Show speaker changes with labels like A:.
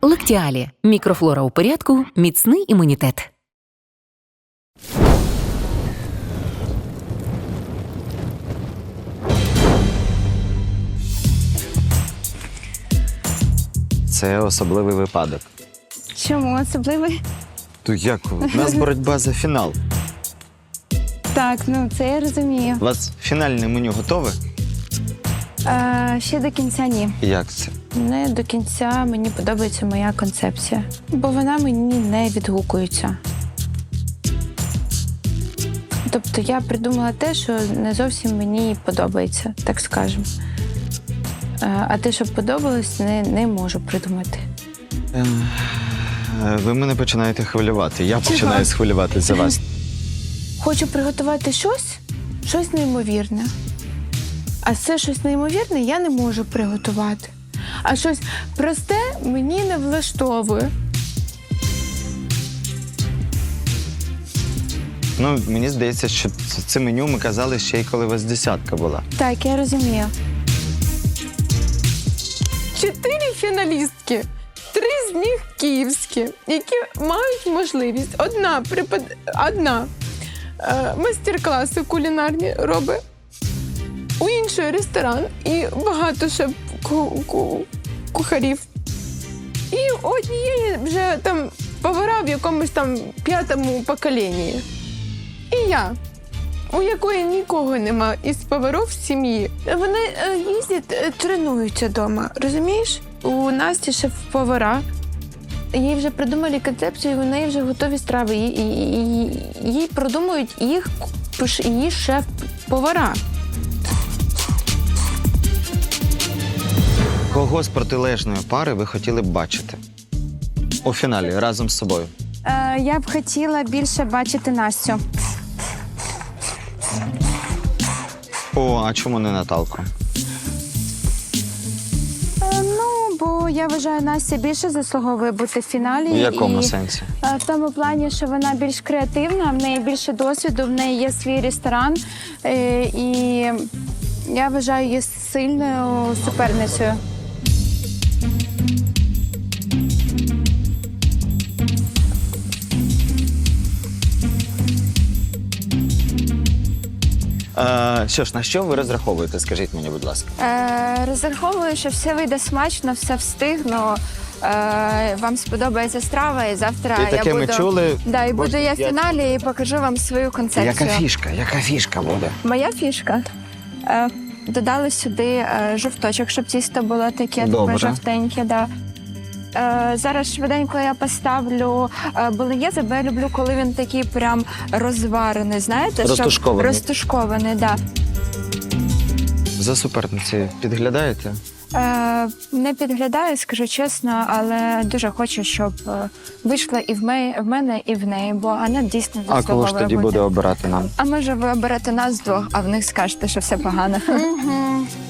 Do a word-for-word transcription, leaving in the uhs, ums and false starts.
A: Лактіалі. Мікрофлора у порядку, міцний імунітет.
B: Це особливий випадок.
C: Чому особливий?
B: То як? У нас боротьба за фінал.
C: Так, ну це я розумію.
B: У вас фінальне меню готове?
C: А, ще до кінця ні.
B: Як це?
C: Не до кінця мені подобається моя концепція, бо вона мені не відгукується. Тобто я придумала те, що не зовсім мені подобається, так скажемо. А те, що подобалось, не, не можу придумати.
B: Е, Ви мене починаєте хвилювати. Я починаю схвилюватися за вас.
C: Хочу приготувати щось, щось неймовірне. А це щось неймовірне я не можу приготувати. А щось просте мені не влаштовує.
B: Ну, мені здається, що це- це меню ми казали ще й коли у вас десятка була.
C: Так, я розумію. Чотири фіналістки, три з них київські, які мають можливість. Одна припад... одна е, майстер-класи кулінарні робить, у іншої ресторан і багато ще ку- ку- кухарів. І у однієї вже там повара в якомусь там п'ятому поколінні. І я, у якої нікого нема із поварів в сім'ї. Вони е, їздять, е, тренуються вдома, розумієш? У Насті шеф-повара. Їй вже придумали концепцію, у неї вже готові страви. І, і, і, їй продумують їх, її шеф-повара.
B: Кого з протилежної пари ви хотіли б бачити? У фіналі, разом з собою.
C: Е, я б хотіла більше бачити Настю.
B: О, а чому не Наталку?
C: Е, ну, бо я вважаю, Настя більше заслуговує бути в фіналі.
B: В якому
C: і,
B: сенсі?
C: е, в тому плані, що вона більш креативна, в неї більше досвіду, в неї є свій ресторан. Е, і я вважаю її сильною суперницею.
B: Е, що ж, на що ви розраховуєте, скажіть мені, будь ласка?
C: Е, розраховую, що все вийде смачно, все встигну. Е, вам сподобається страва, і завтра
B: І таке
C: я
B: ми
C: буду...
B: чули.
C: Да, і
B: Боже,
C: буду я в
B: я-
C: фіналі і покажу вам свою концепцію.
B: Яка фішка? Яка фішка буде?
C: Моя фішка. Е, додали сюди е, жовточок, щоб тісто було таке
B: Добре.
C: жовтеньке. Да. Е, зараз швиденько я поставлю е, болоньєзе, бо я люблю, коли він такий прям розварений, знаєте? щоб-
B: Розтушкований.
C: Розтушкований, так.
B: За суперницею підглядаєте?
C: Да. Е, не підглядаю, скажу чесно, але дуже хочу, щоб е, вийшло і в, ме- в мене, і в неї, бо вона дійсно
B: А
C: заслуговує
B: кого ж тоді
C: бути.
B: буде обирати нам?
C: А може ви оберете нас двох, а в них скажете, що все погано.